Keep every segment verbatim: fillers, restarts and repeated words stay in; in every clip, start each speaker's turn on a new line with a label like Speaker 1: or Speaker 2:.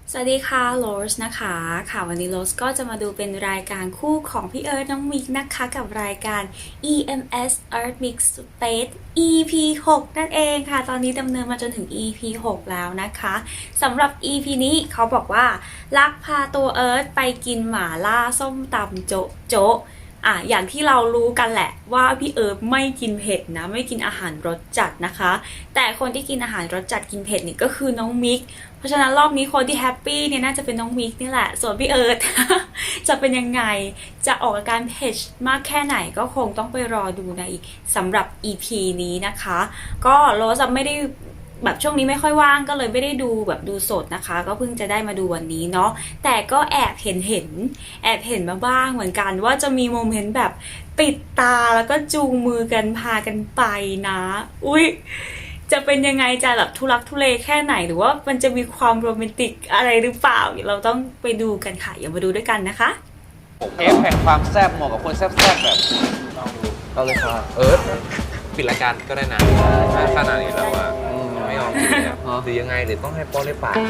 Speaker 1: สวัสดีค่ะโรสนะคะค่ะวันนี้โรสก็จะมาดูเป็นรายการคู่ของพี่เอิร์ธน้องมิกนะคะกับรายการ อี เอ็ม เอส Earth Mix Space อี พี หก นั่นเองค่ะตอนนี้ดำเนินมาจนถึง อี พี หก แล้วนะคะสำหรับ อี พี นี้เขาบอกว่าลักพาตัวเอิร์ธไปกินหม่าล่าส้มตำโจ๊ะโจ๊ะอ่ะอย่างที่เรารู้กันแหละว่าพี่เอิร์ธไม่กินเผ็ดนะไม่กินอาหารรสจัดนะคะแต่คนที่กินอาหารรสจัดกินเผ็ดนี่ก็คือน้องมิกเพราะฉะนั้นรอบนี้คนที่แฮปปี้เนี่ยน่าจะเป็นน้องมิกนี่แหละส่วนพี่เอิร์ธ จะเป็นยังไงจะออกอาการเผ็ดมากแค่ไหนก็คงต้องไปรอดูในสำหรับ อี พี นี้นะคะก็โรสไม่ได้แบบช่วงนี้ไม่ค่อยว่างก็เลยไม่ได้ดูแบบดูสดนะคะก็เพิ่งจะได้มาดูวันนี้เนาะแต่ก็แอบเห็นเห็นแอบเห็นมาบ้างเหมือนกันว่าจะมีโมเมนต์แบบปิดตาแล้วก็จูงมือกันพากันไปนะอุ๊ยจะเป็นยังไงจะแบบทุลักทุเลแค่ไหนหรือว่ามันจะมีความโรแมนติกอะไรหรือเปล่าเราต้องไปดูกันค่ะอย่ามาดูด้วยกันนะคะ
Speaker 2: เทปแห่งความแซ่บเหมาะกับคนแซ่บๆแบบเราเลยค่ะเอิร์ธปิดรายการก็ได้นะถ้าขนาดนี้แล้วอะไม่ยอมกินเลยหรือยังไงหรือต้องให้ป้อนด้วยปาก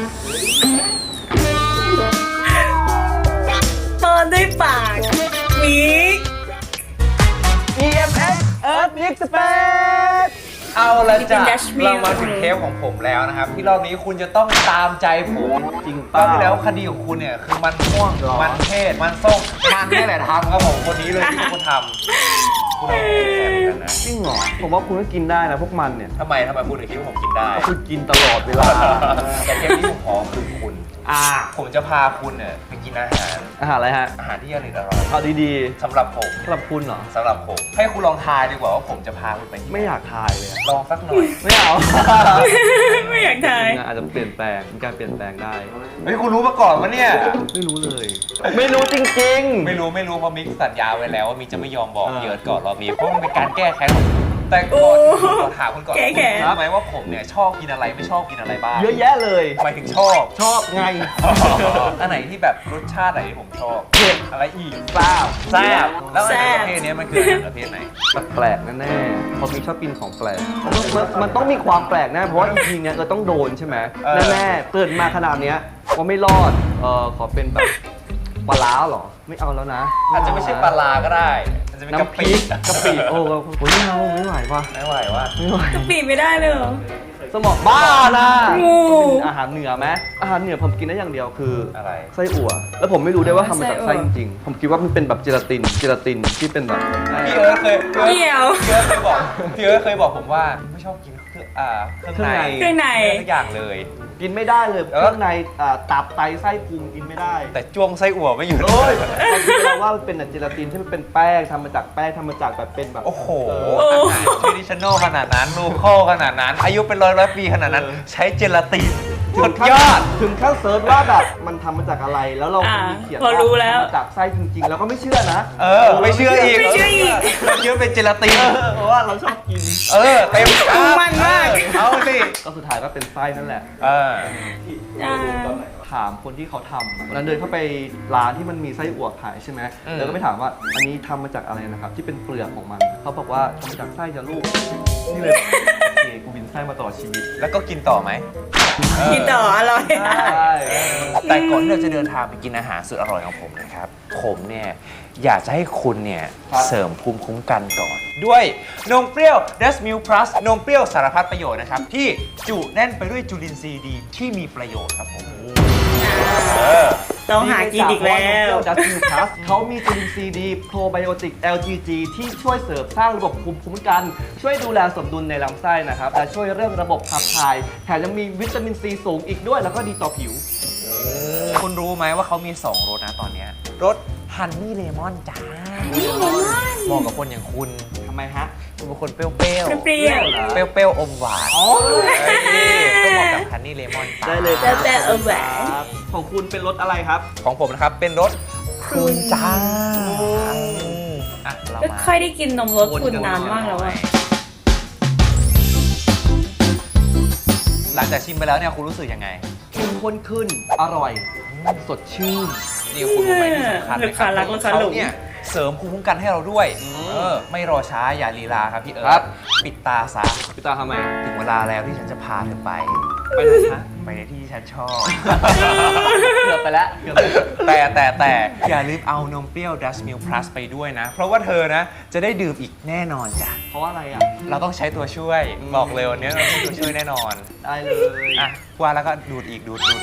Speaker 1: ป้อนด้วยปากมิก
Speaker 2: อี เอ็ม เอส Earth Mix Space เอาละจ้ะเรามาถึงเทปของผมแล้วนะครับที่รอบนี้คุณจะต้องตามใจผมจริงป่ะที่แล้วคดีของคุณเนี่ยคือมันม่วงมันเทศมันส้มมันนี่แหละทำครับผมคนนี้เลยที่คุณทำคุณเอาไปแทนกันนะ
Speaker 3: จริงเหรอผมว่าคุณก็กินได้นะพวกมันเนี่ย
Speaker 2: ทำไมทำไมคุณถึงคิดว่าผมกินได้
Speaker 3: คุณกินตลอดเวลา
Speaker 2: แต่เทปที่ผมขอคือคุณอ่าผมจะพาคุณเนี่ยไปกินอาหาร
Speaker 3: อาหารอะไรฮะ
Speaker 2: อาหารที่อร่อยอร่อย
Speaker 3: เอาดี
Speaker 2: ๆสำหรับผม
Speaker 3: สำหรับคุณเหรอ
Speaker 2: สำหรับผมให้คุณลองทายดีกว่าว่าผมจะพาคุณไป
Speaker 3: ไม่อยากทายเลย
Speaker 2: ลองสักหน่อย
Speaker 3: ไม่เอา
Speaker 1: ไม่อยากทาย
Speaker 3: อาจจะเปลี่ยนแปลงมีการเปลี่ยนแปลงได้
Speaker 2: เฮ้ยคุณรู้มาก่อนวะเนี่ย
Speaker 3: ไม่รู้เลยไม่รู้จริง
Speaker 2: ๆไม่รู้ไม่รู้เพราะมิกสัญญาไว้แล้วว่ามิกจะไม่ยอมบอกเยิร์ดก่อนรอบนี้เพราะมันเป็นการแก้แค้นของแต่ก่อนขอถามคุณก่อนคุณรู้ไหมว่าผมเนี่ยชอบกินอะไรไม่ชอบกินอะไรบ้าง
Speaker 3: เยอะแยะเลย
Speaker 2: หมายถึงชอบ
Speaker 3: ชอบไง
Speaker 2: อันไหนที่แบบรสชาติไหนที่ผมชอบ
Speaker 3: เผ็ด
Speaker 2: อะไรอีก
Speaker 3: แซ่บ
Speaker 2: แซ่บแล้วอาหารประเภทนี้มันคืออาหารประเภทไหน
Speaker 3: แปลกแน่ๆเพราะมีชอบกินของแปลกมันต้องมีความแปลกแน่เพราะว่าอีพีนี้เราต้องโดนใช่ไหมแน่ๆเกิดมาขนาดนี้ว่าไม่รอดเออขอเป็นแบบปลาล้าหรอไม่เอาแล้วนะ
Speaker 2: อาจจะไม่ใช่ปลาลาก็ได้อาจจะเป็นกะปิ
Speaker 3: กะปิโอ้โหไม่เอาไม่ไหวว่ะ
Speaker 2: ไม่ไหวว่ะ
Speaker 3: ไม่ไหว
Speaker 1: กะปิไม่ได้เลยเหรอ
Speaker 3: สมองบ้านะ
Speaker 1: งู
Speaker 3: อาหารเหนือไหมอาหารเหนือผมกินได้อย่างเดียวคือ
Speaker 2: อะไร
Speaker 3: ไส้อั่วแล้วผมไม่รู้ได้ว่าทำมาจากไส้จริงๆผมคิดว่ามันเป็นแบบเจลาตินเจลาตินที่เป็นแบบ
Speaker 2: พี่เอิร์ธเคย
Speaker 1: เกี่ยว
Speaker 2: พี่เอิร์ธเคยบอกพี่เอิร์ธเคยบอกผมว่าไม่ชอบกินเครื่องอ่าเครื่องใน
Speaker 1: เครื่องใน
Speaker 2: ทุกอย่างเลย
Speaker 3: กินไม่ได้เลยเครื่องในตับไตไส้พุงกินไม่ได้
Speaker 2: แต่จ้วงไส้อั่วไม่อยู่
Speaker 3: เลยเราว่ามันเป็นเจลาตินที่มันเป็นแป้งทำมาจากแป้งทำมาจากแบบเป็นแบบ
Speaker 2: โอ้โหทรดิชันแนลขนาดนั้นลูโคขนาดนั้นอายุเป็นร้อยร้อยปีขนาดนั้นใช้เจลาตินสุดยอด
Speaker 3: ถึงขั้นเซิร์ชว่าแบบมันทำมาจากอะไรแล้วเรามีเขียนว่า
Speaker 1: ทำ
Speaker 3: มาจากไส้จริงๆแล้วก็ไม่เชื่อนะ
Speaker 2: เออไม่เชื่ออีก
Speaker 1: ไม่เชื่ออีก
Speaker 2: เชื่อเป็นเจลาติน
Speaker 3: เพราะว่าเราชอบกิน
Speaker 2: เออเต็ม
Speaker 1: มันมาก
Speaker 2: เอาสิ
Speaker 3: ก็สุดท้ายก็เป็นไส้นั่นแหละ
Speaker 2: เออ
Speaker 3: ถามคนที่เขาทำวันนั้นเดินเข้าไปร้านที่มันมีไส้อั่วขายใช่ไหมแล้วก็ไปถามว่าอันนี้ทำมาจากอะไรนะครับที่เป็นเปลือกของมันเขาบอกว่าทำมาจากไส้จะลูกนี่เลยโอเคกูบินไส้มาตลอดชีวิต
Speaker 2: แล้วก็กินต่อไหม
Speaker 1: กินต่ออร่อย
Speaker 2: แต่ก่อนที่เราจะเดินทางไปกินอาหารสุดอร่อยของผมนะครับผมเนี่ยอยากจะให้คุณเนี่ยเสริมภูมิคุ้มกันก่อนด้วยนมเปรี้ยว เดส มิล พลัส นมเปรี้ยวสารพัดประโยชน์นะครับที่จุแน่นไปด้วยจุลินทรีย์ดีที่มีประโยชน์ครับผม
Speaker 1: ต้องหากินอีกแล้ว
Speaker 3: ดัสมิลพลัสเขามีจุลินทรีย์ดีโปรไบโอติก แอล จี จี ที่ช่วยเสริมสร้างระบบภูมิคุ้มกันช่วยดูแลสมดุลในลำไส้นะครับและช่วยเรื่องระบบขับถ่ายแถมยังมีวิตามินซีสูงอีกด้วยแล้วก็ดีต่อผิว
Speaker 2: คุณรู้ไหมว่าเขามีสองรสนะตอนนี้รสฮันนี่เลมอนจ้าเหมาะกับคนอย่างคุณ
Speaker 3: ทำไมฮะ
Speaker 2: คุณเป็นคนเปรี้ยวเปรี้ยว
Speaker 1: เปรี้ยว
Speaker 2: เปรี้ยวเปรี้ยวอมหวานอ๋อก็เหมาะกับฮันนี่เลมอน
Speaker 3: ได้เลย
Speaker 1: เปรี้ยวเปรี้ยวอมหวาน
Speaker 3: ของคุณเป็นรสอะไรครับ
Speaker 2: ของผมนะครับเป็นรสพรุนจ้า
Speaker 1: ไม่ค่อยได้กินนมรสพรุนนานมากแล้วอะ
Speaker 2: หลังจากชิมไปแล้วเนี่ยคุณรู้สึกยังไง
Speaker 3: เข้มข้นขึ้นอร่อยสดชื่น
Speaker 2: นี่คุณรู้ไหมที่สำคัญนะครับเขาเนี่ยเสริมภูมิคุ้มกันให้เราด้วยเออไม่รอช้าอย่าลีลาครับพี่เอิร์ธปิดตาซะ
Speaker 3: ปิดตาทำไม
Speaker 2: ถึงเวลาแล้วที่ฉันจะพาเธอไป
Speaker 3: ไปไหนฮะ
Speaker 2: ไปในที่ที่ฉันชอบ
Speaker 3: เกือบไปแล้วเกือบไปแล้ว
Speaker 2: แต่แต่แต่อย่าลืมเอานมเปรี้ยว Dutch Mill Plus ไปด้วยนะ เพราะว่าเธอนะจะได้ดื่มอีกแน่นอนจ้ะ
Speaker 3: เพราะว่าอะไรอ่ะ
Speaker 2: เราต้องใช้ตัวช่วยบอกเลยวันนี้เราต้องใช้ตัวช่วยแน่นอน
Speaker 3: ได้เลย
Speaker 2: อ่ะว่าแล้วก็ดูดอีกดูดดูด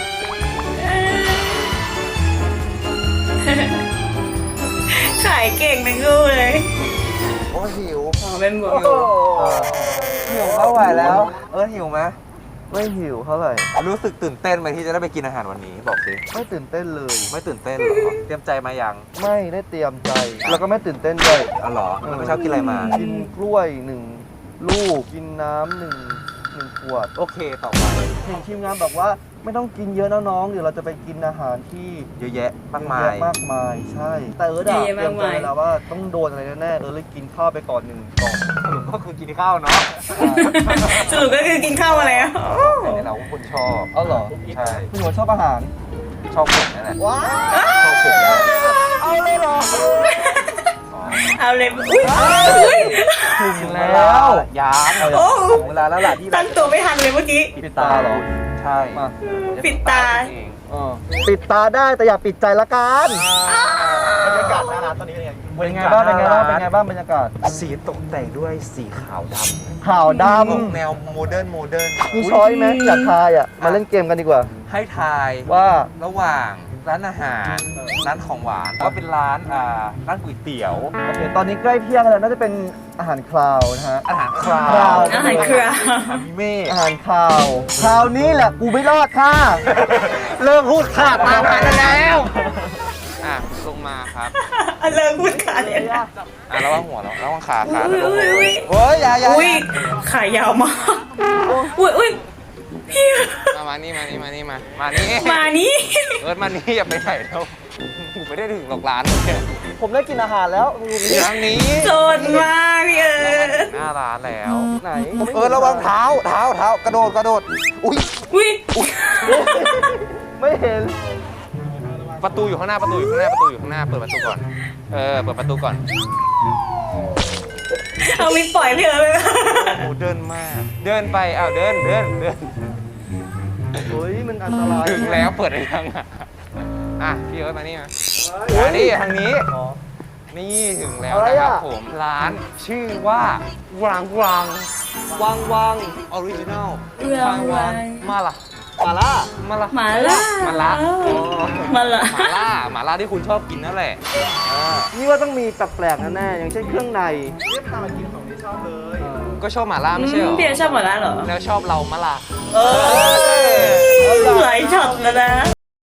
Speaker 1: ขายเก่งทั้งคู่เลย
Speaker 2: โอ้หิว
Speaker 1: อ๋อเป็นบวก
Speaker 2: หิวเข้าไหวแล้ว เออหิวไหม
Speaker 3: ไม่หิวเท่าไหร่
Speaker 2: รู้สึกตื่นเต้นไหมที่จะได้ไปกินอาหารวันนี้บอกสิ
Speaker 3: ไม่ตื่นเต้นเลย
Speaker 2: ไม่ตื่นเต้นเหรอเตรียมใจมายัง
Speaker 3: ไม่ได้เตรียมใจ แล้วก็ไม่ตื่นเต้นด้วย
Speaker 2: อ๋อเหรอมันไม่ชอบกินอะไรมา
Speaker 3: กินกล้วยหนึ่งลูก กินน้ำหนึ่งหนึ่งขวด
Speaker 2: โอเคต่อไป
Speaker 3: เห็นทีมงานบอกว่าไม่ต้องกินเยอะนะน้องเดี๋ยวเราจะไปกินอาหารที่
Speaker 2: เยอะแยะมากมา
Speaker 3: เย
Speaker 2: ย
Speaker 3: อะมากมายใช่ แต่เออดะเตรียมใจแล้วว่าต้องโดนอะไรแน่ๆเออเลยกินข้าวไปก่อนหนึ่งกล่อง
Speaker 2: สรุปก็คือกินข้าวเนาะ
Speaker 1: สรุปก็คือกินข้าวมาแล้ว
Speaker 2: แต่เราก็คนชอบ
Speaker 3: เอาเหรอ
Speaker 2: ใช่
Speaker 3: คุณหัวชอบอาหาร
Speaker 2: ชอบผมนั่นแหละ
Speaker 3: ว้า
Speaker 2: ชอบผมนะ
Speaker 3: เอาเลยเหรอ
Speaker 1: เอาเลยอุ้ยอุ้ย
Speaker 3: ถึงแล้ว
Speaker 2: ยาม
Speaker 1: โอ้
Speaker 2: ถึงเวลาแล้วล่ะที่เรา
Speaker 1: ตั้งตัวไม่ทันเลยเมื่อกี้
Speaker 3: ปิดตาเหรอ
Speaker 2: ใช่
Speaker 3: มา
Speaker 1: ปิดตา
Speaker 2: เอง
Speaker 3: เออปิดตาได้แต่อย่าปิดใจละกัน
Speaker 2: บรรยากาศหน้าร้านตอนนี้เป็นไง
Speaker 3: เป็นไงบ้างเป็นไงบ้างเป็นไงบ้างบรรยากาศ
Speaker 2: สีตกแต่งด้วยสีขาวดำ
Speaker 3: ขาวด
Speaker 2: ออกแนวโมเดิร์นโมเดิร์น
Speaker 3: ำมีช้อยไหมอยากทายอ่ะมาเล่นเกมกันดีกว่า
Speaker 2: ให้ทาย
Speaker 3: ว่า
Speaker 2: ระหว่างร้านอาหารร้านของหวานก็เป็นร้านอ่าร้านก๋วยเตี๋ยว
Speaker 3: โอเคตอนนี้ใกล้เที่ยงแล้วน่าจะเป็นอาหารคลาวนะฮะ
Speaker 2: อาหารคราว
Speaker 3: คราว
Speaker 1: อาหารคราว
Speaker 2: อามิเม่
Speaker 3: อาหารคลาวคราวนี้แหละกูไม่รอดค่ะ เลิกพูดขาดตามมาแล้ว
Speaker 2: อ่ะลงมาครับ
Speaker 1: เลิกพูดขาเลยนะ
Speaker 2: อ่ะระวังหัวเราระวังขาขา
Speaker 1: อุ้ยอุ้ยอุ้ย
Speaker 2: เฮ้ยอย่าอย่า
Speaker 1: อุ้ยขายาวมากอุ้ยอุ้ยพี่
Speaker 2: มามานี่มานี่มานี่มามานี่
Speaker 1: มานี่
Speaker 2: เอิร์ธมานี่อย่าไปไหนแล้วกูไม่ได้ถึงหรอกร้านเนี่ย
Speaker 3: ผมได้กินอาหารแล้ว
Speaker 2: ทางนี้
Speaker 1: โจรมากพี่เอิร์ธ
Speaker 2: หน้าร้านแล้ว
Speaker 3: ไหน
Speaker 2: เออระวังเท้าเท้าเท้ากระโดดกระโดดอุ้ย
Speaker 1: อุ้ย
Speaker 3: ไม่เห็น
Speaker 2: ประตูอยู่ข้างหน้าประตูอยู่ข้างหน้าประตูอยู่ข้างหน้าเปิดประตูก่อนเออเปิดประตูก่อน
Speaker 1: เอามิดปล่อยพี่เอิร์ธเลย
Speaker 2: โอ้เดินมาก เดินไปอ้าวเดินเดินเดิน
Speaker 3: เฮ้ยมันอันตราย
Speaker 2: ถึงแล้วเปิดได้ยังอ่ะอ่ะพี่เอิร์ธมานี่มามานี่ทางนี้
Speaker 3: อ๋อ
Speaker 2: นี่ถึงแล้ว
Speaker 3: อะไร
Speaker 2: นะครับ
Speaker 3: อ่ะ
Speaker 2: ผมร้านชื่อว่าวางวาง
Speaker 3: วางวาง
Speaker 2: ออริจินัล
Speaker 1: วางวาง
Speaker 2: มาล่ะ
Speaker 3: มาล่า
Speaker 2: มาล่ะ
Speaker 1: หมาล่า
Speaker 2: มาล่า
Speaker 1: มาล่า
Speaker 2: หมาล่าหมาล่าที่คุณชอบกินนั่นแหละอ่า
Speaker 3: นี่ว่าต้องมีแปลกๆแน่ๆอย่างเช่นเครื่องในเรียกพามากินของที่ชอบเลย
Speaker 2: ก็ชอบหมาล่าไม่ใช่เหรอ
Speaker 1: พี่เอิร์ธชอบหมาล่าเหรอ
Speaker 2: แล้วชอบเรามาล่ะ
Speaker 1: เออหลายช็อตแล้วนะ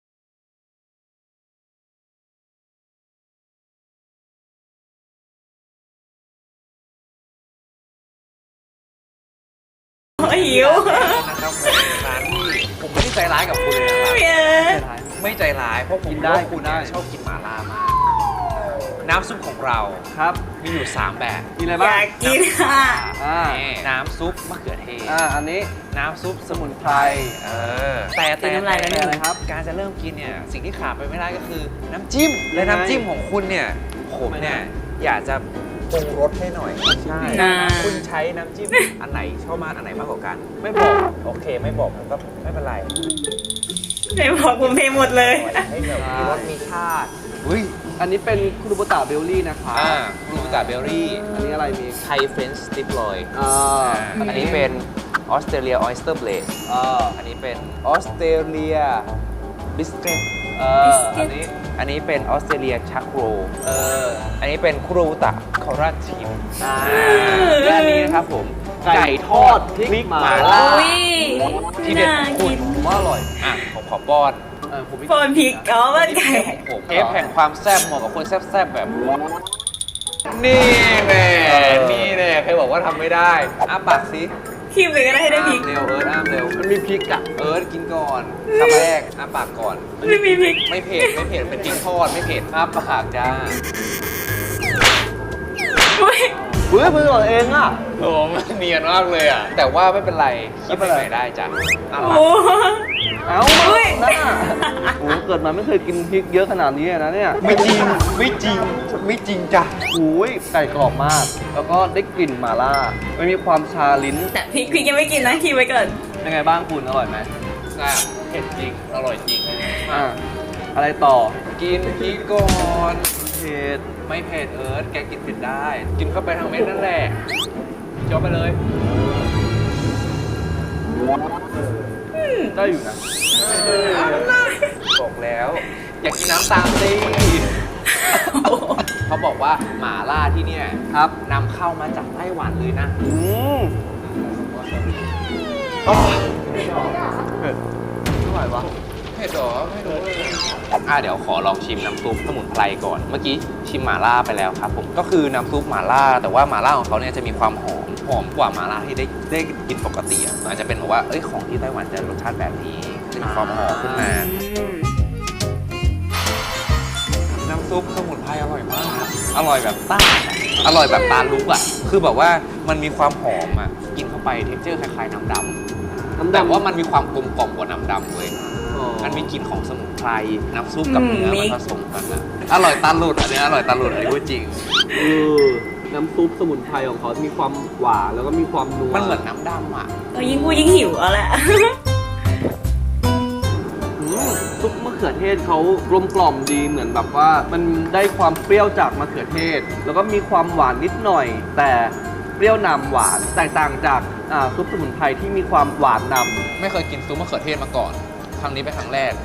Speaker 1: หิว
Speaker 2: นะครับร้านที่ผมไม่ได้ใจร้ายกับคุณเลยนะครับ
Speaker 1: พี่เอิร์ธ
Speaker 2: ไม่ใจร้ายเพราะผม
Speaker 3: กินได้
Speaker 2: ว่าคุณเนี่ยชอบกินหมาล่ามากน้ำซุปของเรา
Speaker 3: ครับ
Speaker 2: มีอยู่ สาม แบบ
Speaker 3: กินอะไร
Speaker 1: อ
Speaker 3: บ้าง
Speaker 1: ยากกินค่ะ
Speaker 3: อ่า
Speaker 2: นี่น้ำซุปมะเขือเทศ
Speaker 3: อ่าอันนี้
Speaker 2: น้ำซุปสมุนไพร เออ แต่
Speaker 1: กิ
Speaker 2: แต่
Speaker 1: นน้ำลายแล้วหนึ่ง
Speaker 2: อะไรครับ การจะเริ่มกินเนี่ย สิ่งที่ขาดไปไม่ได้ก็คือ น้ำจิ้ม และน้ำจิ้มของคุณเนี่ย ผมเนี่ย อยากจะปรุงรสให้หน่อย ใช่
Speaker 1: อ่า
Speaker 2: คุณใช้น้ำจิ้ม อันไหนชอบมากอันไหนมากกว่ากัน ไม่บอก โอเค ไม่บอกมันก็ไม่เป็นไร
Speaker 1: ไม่บอกผมเพลหมดเลย
Speaker 2: ให้แบบมีรสมีชาติอุ้ย
Speaker 3: อันนี้เป็นคุรุบุตะเบลลี่นะคะ
Speaker 2: อ่าบลูกาเบอร์รี่
Speaker 3: อันนี้อะไรมี
Speaker 2: ไทยเฟรนช์สติปลอย
Speaker 3: อ่า
Speaker 2: อันนี้เป็นออสเตรเลียออยสเตอร์เบลด
Speaker 3: อ่า
Speaker 2: อันนี้เป็นออสเตรเลียบิสเกต
Speaker 3: เออ
Speaker 1: Biscuit
Speaker 3: อันนี้
Speaker 2: อันนี้เป็นออสเตรเลียชักโร
Speaker 3: เออ
Speaker 2: อันนี้เป็นคุโรบุตะคอราทีม
Speaker 3: อ่า
Speaker 2: และอันนี้นะครับผม
Speaker 3: ไก่ทอดพริกหม่าล่า
Speaker 1: อุ้ย
Speaker 2: ที่เด็ด
Speaker 1: น่า
Speaker 2: ของคุ
Speaker 1: กิ
Speaker 2: ณ
Speaker 1: น
Speaker 3: ผมว่าอร่อย
Speaker 2: อ่ะผมขอป้อน
Speaker 3: เออผมไม่
Speaker 1: ปนพริกอ๋อมันไก่
Speaker 2: ของผมเอฟแห่งความแซ่บเหมาะกับคนแซ่บๆแบบผมนี่แน่นี่แน่ใครบอกว่าทำไม่ได้อ้าปากสิ
Speaker 1: คีบเลยก็ได้ให้ได้พริก
Speaker 2: อ้ามเร็วเอิร์ธอ้ามเร็ว
Speaker 3: มันมีพริกอ่ะ
Speaker 2: เอิร์ธกินก่อนคำแรกอ้าปากก่อน
Speaker 1: ไม่มีพริก
Speaker 2: ไม่เผ็ดไม่เผ็ดเป็นพริกทอดไม่เผ็ดอ้าปากจ้า
Speaker 1: อุ้ย
Speaker 3: เฮ้ยมือของเองอ่ะ
Speaker 2: โอ้มันเนียนมากเลยอ่ะ แต่ว่าไม่เป็นไรคิดไปไหนได้จ้ะอ้า
Speaker 1: โอ้
Speaker 2: ปาก
Speaker 3: เอ้า
Speaker 1: อุ้ย
Speaker 3: หน้าโอ้โหเกิดมาไม่เคยกินพริกเยอะขนาดนี้เลยนะเนี่ย
Speaker 2: ไม่จริงไม่จริงไม่จริงจ้ะ
Speaker 3: โอ้ยไก่กรอบมาก แล้วก็ได้กลิ่นหม่าล่าไม่มีความชาลิ้น
Speaker 1: แต่พริกพริกยังไม่กินนะคีบไว้ก่อน
Speaker 3: ยังไงบ้างคุณอร่อยไหม
Speaker 2: ซ่บเผ็ดจริง อร่อยจริง
Speaker 3: อ่ะอะไรต่อ
Speaker 2: กินพริกก่อน
Speaker 3: เผ็ด
Speaker 2: ไม่เผ็ดเอิร์ธแกกินเผ็ดได้ กินเข้าไปทางเม็ดนั่นแหละจบไปเลย
Speaker 3: ได้อยู่นะ
Speaker 2: บอกแล้ว อยากกินน้ำตามสิเขาบอกว่าหม่าล่าที่เนี่ย
Speaker 3: ครับ
Speaker 2: นำเข้ามาจากไต้หวันเลยนะ
Speaker 3: อืมอ๋อเผ็ดไม่ไหววะ
Speaker 2: เผ็ดหรอไม่รู้เลยอ่ะเดี๋ยวขอลองชิมน้ำซุปสมุนไพรก่อน เมื่อกี้ชิมหม่าล่าไปแล้วครับผมก็คือน้ำซุปหม่าล่า แต่ว่าหม่าล่าของเขาเนี่ยจะมีความหอมหอมกว่าหม่าล่าที่ได้ได้กินปกติอ่ะอาจจะเป็นแบบว่าเอ้ยของที่ไต้หวันจะรสชาติแบบนี้จะมีความหอมขึ้นมา น้ำซุปสมุนไพรอร่อยมาก อร่อยแบบต้านอะอร่อยแบบตาลุกอ่ะ คือแบบว่ามันมีความหอมอ่ะ กินเข้าไปเท็กเจอร์คล้ายๆน้ำดำ
Speaker 3: น้ำ
Speaker 2: แต่
Speaker 3: ดำ
Speaker 2: ว่ามันมีความกลมกล่อมกว่าน้ำดำเลย
Speaker 3: อ๋อ
Speaker 2: มันมีกลิ่นของสมุนไพร น้ำซุปกับ
Speaker 1: อืม
Speaker 2: เนื้อ
Speaker 1: มิ
Speaker 2: มัน
Speaker 1: ก
Speaker 2: ผสมกันอะอร่อยตาหลุดอันนี้อร่อยตาหลุดอันนี้พูดจริง
Speaker 3: เออน้ำซุปสมุนไพรของเขามีความหวานแล้วก็มีความนัว
Speaker 2: มันเหมือนน้ำดำอ่ะ
Speaker 1: เออยิ่งพูดยิ่งหิวเอาแหละ
Speaker 3: อืมซุปมะเขือเทศเขากลมกล่อมดีเหมือนแบบว่ามันได้ความเปรี้ยวจากมะเขือเทศ แล้วก็มีความหวานนิดหน่อย แต่เปรี้ยวนำหวานแตกต่างจากอ่าซุปสมุนไพรที่มีความหวานนำ
Speaker 2: ไม่เคยกินซุปมะเขือเทศมาก่อน ครั้งนี้เป็นครั้งแรก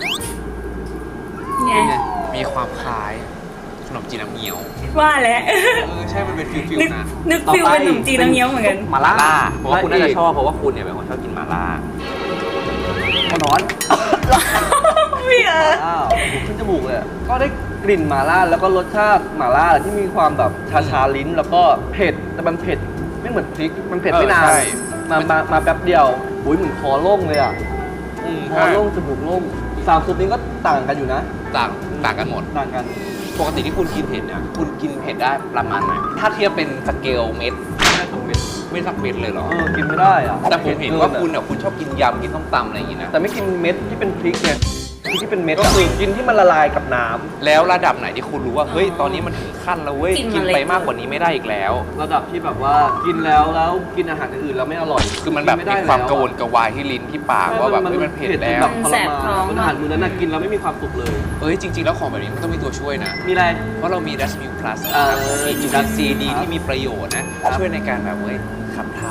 Speaker 1: ไง
Speaker 3: เป็นไง
Speaker 2: มีความคล้ายขนมจีนน้ำเงี้ยว
Speaker 1: ว่าแล้ว
Speaker 2: เออใช่มันเป็นฟิล
Speaker 1: นึก
Speaker 2: ๆนะ
Speaker 1: นึกฟิลเป็นขนมจีนน้ำเงี้ยวเหมือนกัน
Speaker 3: หมาล่า
Speaker 2: ล่าเพราะว่าคุณน่าจะชอบเพราะว่าคุณเนี่ยเป็นคนชอบกินหม่าล่า
Speaker 3: ข้าวร้อน
Speaker 1: พี่เออ
Speaker 3: อ้าวขึ้นจมูกเลยอะก็ได้กลิ่นหม่าล่าแล้วก็รสชาติหม่าล่าที่มีความแบบชาชาๆลิ้น แล้วก็เผ็ดแต่มันเผ็ดไม่เหมือนพริกมันเผ็ดไม่นาน
Speaker 2: เออใช่
Speaker 3: มามามาแป๊บเดียวอุ้ยเหมือนคอโล่งเลยอ่ะ
Speaker 2: อืม
Speaker 3: คอโล่งจมูกโล่งสามซุปนี้ก็ต่างกันอยู่นะ
Speaker 2: ต่างต่างกันหมด
Speaker 3: ต่างกัน
Speaker 2: ปกติที่คุณกินเผ็ดเนี่ย คุณกินเผ็ดได้ประมาณไหน ถ้าเทียบเป็นสเกลเม็ด
Speaker 3: ไม่ได้สองเม็ด
Speaker 2: ไม่สักเม็ดเลยเหรอ
Speaker 3: เออกินไม่ได้อ่ะ
Speaker 2: แต่ผมเห็นว่า
Speaker 3: ผ็ด
Speaker 2: คุณ
Speaker 3: กิ
Speaker 2: เนี่ยคุณชอบกินยำกินส้มตำอะไรอย่างงี้นะ
Speaker 3: แต่ไม่กินเม็ดที่เป็นพริกเนี่ยพริกที่เป็นเม็ด
Speaker 2: ก็
Speaker 3: อะ
Speaker 2: คือ
Speaker 3: กินที่มันละลายกับน้ำ
Speaker 2: แล้วระดับไหนที่คุณรู้ว่า เฮ้ย ตอนนี้มันถึงขั้นแล้วเว้ย
Speaker 1: กิน
Speaker 2: กิน
Speaker 1: มาเลย
Speaker 2: ไปมากกว่านี้ไม่ได้อีกแล้ว
Speaker 3: ระดับที่แบบว่ากินแล้วแล้วกินอาหารอื่นๆแล้วไม่อร่อย
Speaker 2: คือมันแบบ
Speaker 3: กิ
Speaker 2: มี
Speaker 3: ไได้
Speaker 2: ความ
Speaker 3: แล้
Speaker 2: กระวนกระวายที่ลิ้นที่ปากว่าแบบเฮ้ยมันเผ็ดแล้ว
Speaker 3: แบบทร
Speaker 1: แสบ
Speaker 3: มา
Speaker 1: ท้อง
Speaker 3: นอาหารมื้อนั้นน่ะกินแล้วไม่มีความสุขเลย
Speaker 2: เอ้ย จริง ๆ แล้วของแบบนี้มันต้องมีตัวช่วยนะ
Speaker 3: มีอะไร
Speaker 2: เพราะเรามี Dash Milk Plus
Speaker 3: เออ
Speaker 2: นะครับมีจุลินทรีย์ดีที่มีประโยชน์นะ
Speaker 3: ครับ
Speaker 2: ช่วยในการแบบเว้ยขับถ่าย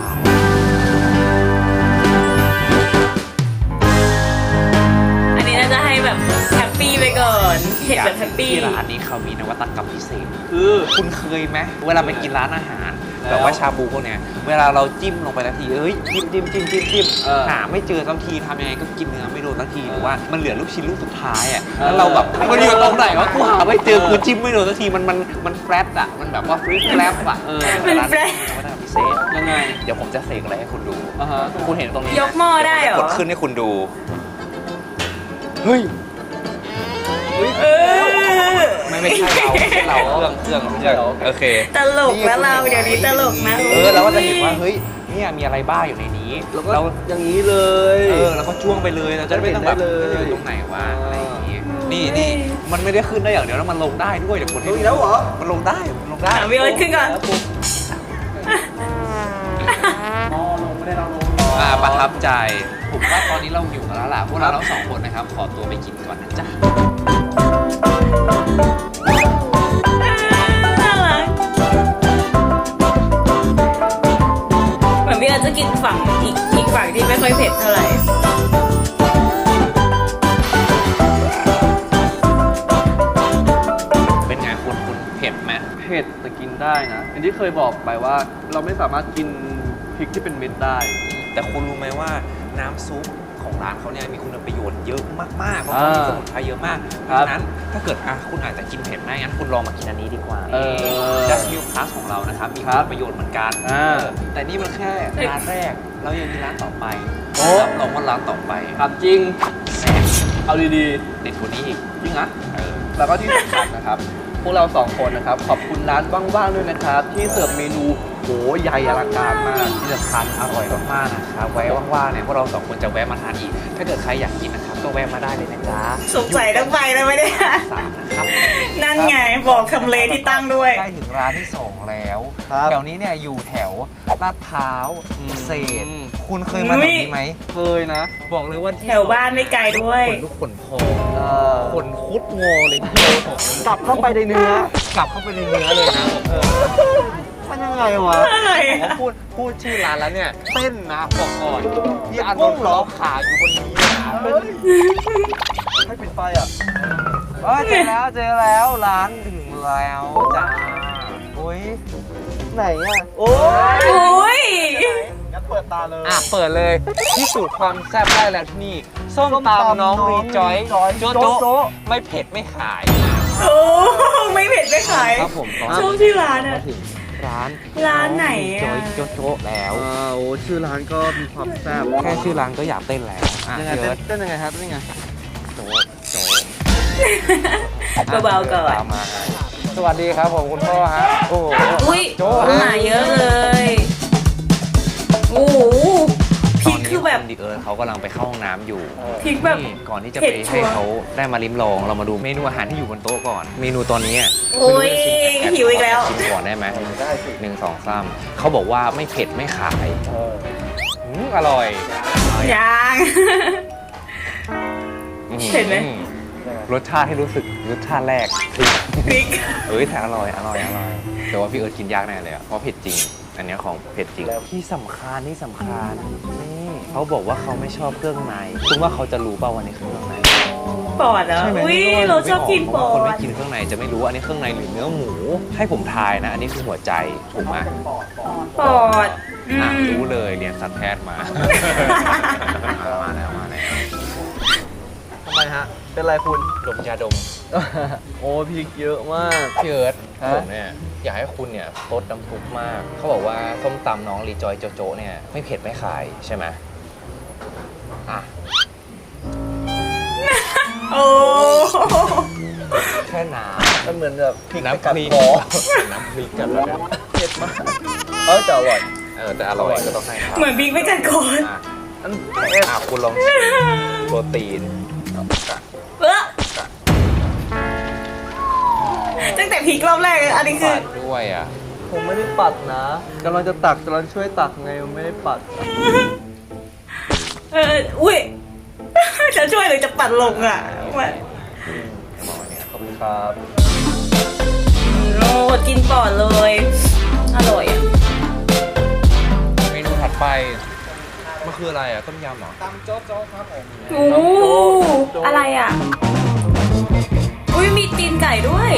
Speaker 1: อันนี้น่าจะให้แบบแฮปปี้ไปก่อนเห็นแบบแฮปปี้
Speaker 2: ที่ร้านนี้เขามีนวัตกรรมพิเศษ
Speaker 3: คือ
Speaker 2: คุณเคยไหมเวลาไปกินร้านอาหาร
Speaker 3: แล้ว
Speaker 2: แบบว่าชาบูพวกเนี้ยเวลาเราจิ้มลงไปทันทีเอ้ยจิ้มจิ้มจิ้มจิ้มจิ้ม
Speaker 3: เออ
Speaker 2: หาไม่เจอสักทีทำยังไงก็กินเนื้อไม่โดนสักทีหรือว่ามันเหลือลูกชิ้นลูกสุดท้ายอ่ะ
Speaker 3: เออ
Speaker 2: แล้วเราแบบมันอยู่ตรงไหนวะกูหาไม่เจอ
Speaker 3: เออ
Speaker 2: กูจิ้มไม่โดนสักทีมันมันมันแฟลตอ่ะมันแบบว่าฟรีแฟลตอ่ะ
Speaker 3: เออ
Speaker 1: มันแฟลต
Speaker 2: นวัตกรรมพิเศษ
Speaker 3: ยังไง
Speaker 2: เดี๋ยวผมจะเสกอะไรให้คุณดู
Speaker 3: อ่าฮะ
Speaker 2: คุณเห็นตรงนี้
Speaker 1: ยกหม้อได้เหรอ
Speaker 2: กดขึ้นให้คุณดูเฮ้ย
Speaker 1: เออ
Speaker 2: ไม่ไม่ใช่เราไม่ใช่เราเครื่องเครื่องไม่ใช่เราโอเค
Speaker 1: ตลกแล้วเราเดี๋ยวนี้ตลกนะ
Speaker 2: เออเราก็จะเห็นว่าเฮ้ยเนี่ยมีอะไรบ้างอยู่ในนี้
Speaker 3: แล้วก็
Speaker 2: เรา
Speaker 3: อย่างนี้เลย
Speaker 2: เออแล้วก็จ้วงไปเลยเราจะได้ไม่ต้องแบบ
Speaker 3: เห็นได้เลย
Speaker 2: เออตรงไหนวะอะไรอย่างงี้นี่นี่มันไม่ได้ขึ้นได้อย่างเดียวแล้วมันลงได้ด้วยเดี๋ยวคน
Speaker 3: ลงอีกแล้วเหรอ
Speaker 2: มันลงได้มันลงได้
Speaker 1: อ่ะพี่เอิร์ธขึ้นก่อน
Speaker 3: อ๋อลงไม่ได้เราลง
Speaker 2: อ่าประทับใจผมว่าตอนนี้เราอยู่กันแล้วล่ะพวกเราทั้งสองคนนะครับขอตัวไปกินก่อนนะจ๊ะ
Speaker 1: น่ารักเหมือนพี่เอิร์ธจะกินฝั่งอีกอีกฝั่งที่ไม่ค่อยเผ็ดเท่าไหร่
Speaker 2: เป็นไงคุณคุณเผ็ดไหม
Speaker 3: เผ็ดแต่กินได้นะอย่างที่เคยบอกไปว่าเราไม่สามารถกินพริกที่เป็นเม็ดได้
Speaker 2: แต่คุณรู้ไหมว่าน้ำซุปของร้านเขาเนี่ยมีคุณประโยชน์เยอะมากๆเพราะเขามีสมุนไพรเยอะมากเพ
Speaker 3: ครั
Speaker 2: ราะ
Speaker 3: บ
Speaker 2: ฉะนั้นถ้าเกิดอ่ะคุณอาจจะกินเผ็ดไม่งั้นคุณลองมากินอันนี้ดีกว่า
Speaker 3: เออ
Speaker 2: ดัชมิลพลัสของเรานะครับมี
Speaker 3: ครั
Speaker 2: คุ
Speaker 3: บ
Speaker 2: ณประโยชน์เหมือนกัน
Speaker 3: อ่า
Speaker 2: เออแต่นี่มันแค่ร้านแรกเรายังมีร้านต่อไป
Speaker 3: โอ้
Speaker 2: รับรองว่าร้านต่อไป
Speaker 3: ครับจริง
Speaker 2: แซ่บ
Speaker 3: เอาดี
Speaker 2: เด็ดกว่านี้อีก
Speaker 3: ๆ จริงนะ
Speaker 2: เออ
Speaker 3: แล้วก็ที่สำคัญนะครับ พวกเราสองคนนะครับ ขอบคุณร้านว่างๆด้วยนะครับ ที่เสิร์ฟเมนูโหใหญ่อลังการมาก
Speaker 2: ที่สำคัญอร่อยมากๆนะครับไว้ว่างๆเนี่ยพวกเราสองคนจะแวะมาทานอีก ถ้าเกิดใครอยากกินนะครับก็แวะมาได้เลยนะจ๊ะ
Speaker 1: สงสัยต้องไปแล้วไหมเนี่ย
Speaker 2: สามนะครับ
Speaker 1: นั่นไงบอกทำเลที่ตั้งด้วย
Speaker 2: ใกล้ถึงร้านที่สองแล้ว
Speaker 3: ครับ
Speaker 2: แถวนี้เนี่ยอยู่แถวลาดพร้าว
Speaker 3: อืม
Speaker 2: เศษ คุณเคยมาแถวนี้ไหม
Speaker 3: เคยนะ
Speaker 2: บอกเลยว่า
Speaker 1: แถวบ้านไม่ไกลด้วย
Speaker 2: ขนลุกขนพอง
Speaker 3: เออ
Speaker 2: ขนคุดงอเลย
Speaker 3: กลับเข้าไปในเนื้อก
Speaker 2: ลับเข้าไปในเนื้อเลยนะเออ
Speaker 3: มันยังไงวะ
Speaker 1: อะไร
Speaker 2: ผม
Speaker 1: อะ
Speaker 2: พูดพูดชื่อร้านแล้วเนี่ยเต้นนะบอกก่อนพี่อาน
Speaker 3: กุ้
Speaker 2: น
Speaker 3: ง
Speaker 2: ท์
Speaker 3: เหรอ
Speaker 2: เขาขาอยู่บนนี้นะ
Speaker 3: ให้ปิดไฟอ่ะ
Speaker 2: เออเจอแล้วเจอแล้วร้านถึงแล้วจ้าโอ้ย
Speaker 3: ไหนอ่ะ โอ้ย
Speaker 1: โอ้ย
Speaker 3: งั้นเปิดตาเลย
Speaker 2: อ่ะเปิดเลยพิสูจน์ความแซ่บได้แล้วที่นี่ส้ม
Speaker 3: ส้มตำ
Speaker 2: ตำน้อง
Speaker 3: น้อง
Speaker 2: รีจอย
Speaker 3: จอย
Speaker 2: โจ๊ะ
Speaker 3: โจ๊ะ
Speaker 2: โจ๊ะไม่เผ็ดไม่ขาย
Speaker 1: โอ้ไม่เผ็ดไม่ขาย
Speaker 2: ครับผมตอน
Speaker 1: ชอบชื่อร้าน
Speaker 2: มา
Speaker 1: อะ
Speaker 2: ถึงร้าน
Speaker 1: ร้านไหนอะ
Speaker 2: จอยโจ๊ะโจ๊ะแล้ว
Speaker 3: อ่าโอ้ชื่อร้านก็มีความแซ่บ
Speaker 2: แค่ชื่อร้านก็อยากเต้นแล้วอ่ะ
Speaker 3: ยังไง
Speaker 2: เดี๋
Speaker 3: เต้
Speaker 2: ย
Speaker 3: น
Speaker 2: ว
Speaker 3: เต้นยังไงครับเต้นยังไง
Speaker 2: โจ๊ะโจ๊ะ
Speaker 1: เบาๆก่อน
Speaker 2: ตามมาสวัสดีครับผมคุณพ่อฮะโอ้โห
Speaker 1: อุ้ย
Speaker 2: โจ๊ะ
Speaker 1: หนาเยอะเลย โอ้โหพริกคือแบบ
Speaker 2: ตนนี้ณดิเอิร์ธเขากำลังไปเข้าห้องน้ำอยู่
Speaker 1: พริกแบบ
Speaker 2: นี่ก่อนที่จะ
Speaker 1: เผ็
Speaker 2: ไป
Speaker 1: ดชั
Speaker 2: ให้
Speaker 1: วร์
Speaker 2: เขาได้มาลิ้มลองเรามาดูเมนูอาหารที่อยู่บนโต๊ะก่อน เมนูตอนนี้อะ
Speaker 1: โอ้ย
Speaker 2: ไม่รู้จะชิม
Speaker 1: หิวอีกแล้ว
Speaker 2: ชิมก่อนได้ไหมหนึ่งสองสามเขาบอกว่าไม่เผ็ดไม่ขายอืมอร่อย
Speaker 1: ยัง
Speaker 2: อื
Speaker 1: เผ็ดไหม
Speaker 2: รสชาติให้รู้สึกรสชาติแรกพริก
Speaker 1: พริก
Speaker 2: เอ้ยแต่อร่อยอร่อยอร่อยแต่ว่าพี่เอิร์ธกินยากแน่เลยอะเพราะเผ็ดจริง อันเนี้ยของเผ็ดจริงที่สำคัญที่สำคัญนี่เขาบอกว่าเขาไม่ชอบเครื่องในคุณว่าเขาจะรู้เปล่าวันนี้คือเครื่องใน
Speaker 1: ปอดเหรอ
Speaker 2: ใช่ไหม
Speaker 1: อุ้ย
Speaker 2: ไม่
Speaker 1: เราชอบกินป
Speaker 2: เพราะ
Speaker 1: อ
Speaker 2: ว่าคนไม่
Speaker 1: ด
Speaker 2: กินเครื่องในจะไม่รู้ว่าอันนี้เครื่องในหรือเนื้อหมู ให้ผมทายนะ อันนี้คือหัวใจถูกไหม
Speaker 1: ปอดอื
Speaker 2: อ่ะ
Speaker 1: ม
Speaker 2: รู้เลยเรียนสัตวแพทย์มา มาแล้วมาแล้ว
Speaker 3: ทำไมฮะ เป็นไรคุณ
Speaker 2: ดมยาดม
Speaker 3: โอ้พริกเยอะมาก
Speaker 2: พี่เอิร์ธ
Speaker 3: ฮะ
Speaker 2: ผมเนี่ยอยากให้คุณเนี่ยลดน้ำซุปมาก เขาบอกว่าส้มตำน้องรีจอยโจโจเนี่ยไม่เผ็ดไม่ขายใช่ไหมอ่ะ
Speaker 1: โอ้
Speaker 2: แค่น้
Speaker 3: มันเหมือนแบบพริก
Speaker 2: ำ
Speaker 3: ไป
Speaker 2: น้ำ
Speaker 3: กัด
Speaker 2: พริก
Speaker 3: คอ
Speaker 2: น้ำพริกกันแล้วเนี่ย
Speaker 3: เผ็ดมาก เออแต่อร่อย
Speaker 2: เออแต่อร่อยก็ต้องให้ครับ
Speaker 1: เหมือนพริกไม่กัดคอ
Speaker 2: อ่ะ
Speaker 3: อันเผ็ด
Speaker 2: อ่ะคุณลองชิมโปรตีน
Speaker 1: เออตั้งแต่พริกรอบแรกอันนี้คือ
Speaker 2: ปัดด้วยอ่ะ
Speaker 3: ผมไม่ได้ปัดนะกำลังจะตักกำลังช่วยตักไงไม่ได้ปัด
Speaker 1: เอออุ้ย จะช่วยหรือจะปัดลงอ่ะมัน
Speaker 3: ขอบคุณครับ
Speaker 1: โอ้กินปอดเลย อร่อยอ่ะ
Speaker 2: เมนูถัดไป มันคืออะไรอ่ะ ต้มยำเหรอ
Speaker 1: โอ้อะไรอ่ะ อุ้ยมีตีนไก่ด้วย